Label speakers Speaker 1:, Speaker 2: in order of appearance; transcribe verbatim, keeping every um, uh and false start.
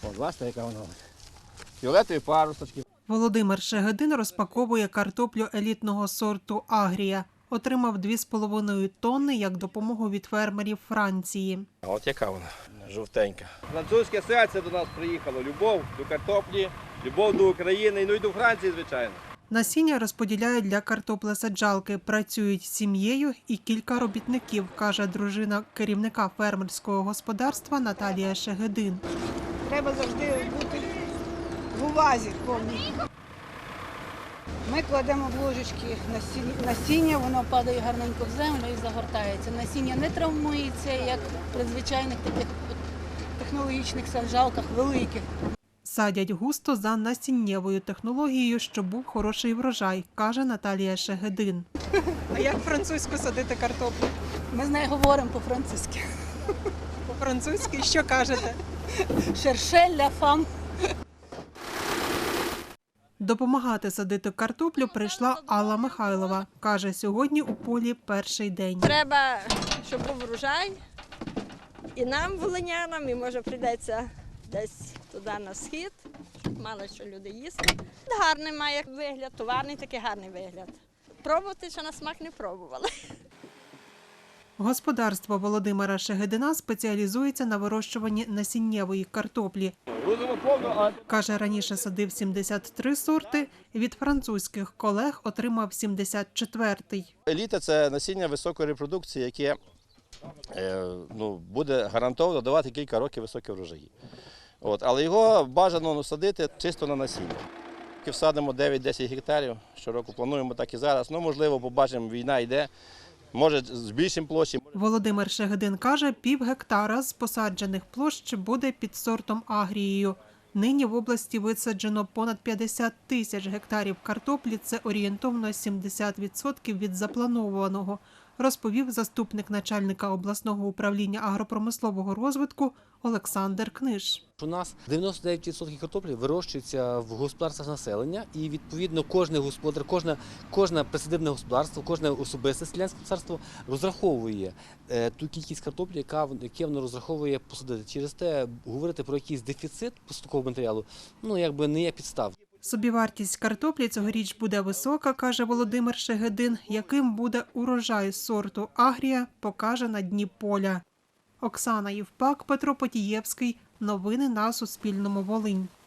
Speaker 1: О, бачите, яка вона. Фіолетові парусочки.
Speaker 2: Володимир Шегедин розпаковує картоплю елітного сорту «Агрія». Отримав дві з половиною тонни як допомогу від фермерів Франції.
Speaker 1: А от яка вона, жовтенька. Французьке серце до нас приїхало. Любов до картоплі, любов до України, ну і до Франції, звичайно.
Speaker 2: Насіння розподіляють для картоплесаджалки. Працюють сім'єю і кілька робітників, каже дружина керівника фермерського господарства Наталія Шегедин.
Speaker 3: Треба завжди бути в увазі повній. Ми кладемо в ложечки насіння, воно падає гарненько в землю і загортається. Насіння не травмується, як при звичайних таких технологічних саджалках великих.
Speaker 2: Садять густо за насіннєвою технологією, щоб був хороший врожай, каже Наталія Шегедин.
Speaker 4: А як французьку садити картоплю?
Speaker 3: Ми з нею говоримо по-французьки.
Speaker 4: По-французьки? Що кажете?
Speaker 3: Шерше ля фам.
Speaker 2: Допомагати садити картоплю прийшла Алла Михайлова. Каже, сьогодні у полі перший день.
Speaker 5: Треба, щоб був врожай і нам, волинянам, і може прийдеться десь туди на схід, щоб мало що люди їсти. Гарний має вигляд, товарний такий гарний вигляд. Пробувати, що на смак не пробували.
Speaker 2: Господарство Володимира Шегедина спеціалізується на вирощуванні насіннєвої картоплі. Каже, раніше садив сімдесят три сорти, від французьких колег отримав сімдесят четвертий.
Speaker 1: Еліта – це насіння високої репродукції, яке е, ну, буде гарантовано давати кілька років високі врожаї. От, але його бажано садити чисто на насіння. Всадимо дев'ять-десять гектарів, щороку плануємо так і зараз. Ну, можливо, побачимо, війна йде. Може, збільшимо площі.
Speaker 2: Володимир Шегедин каже, пів гектара з посаджених площ буде під сортом «Агрією». Нині в області висаджено понад п'ятдесят тисяч гектарів картоплі, це орієнтовно сімдесят відсотків від запланованого, розповів заступник начальника обласного управління агропромислового розвитку Олександр Книж.
Speaker 6: У нас дев'яносто дев'ять відсотків картоплі вирощується в господарствах населення, і відповідно кожен господар, кожне, кожне присадибне господарство, кожне особисте селянське господарство розраховує е, ту кількість картоплі, яка яке воно розраховує посадити. Через те говорити про якийсь дефіцит поступового матеріалу, ну якби не є підстав.
Speaker 2: Собівартість картоплі цьогоріч буде висока, каже Володимир Шегедин. Яким буде урожай сорту «Агрія», покаже на дні поля. Оксана Євпак, Петро Потієвський. Новини на Суспільному. Волинь.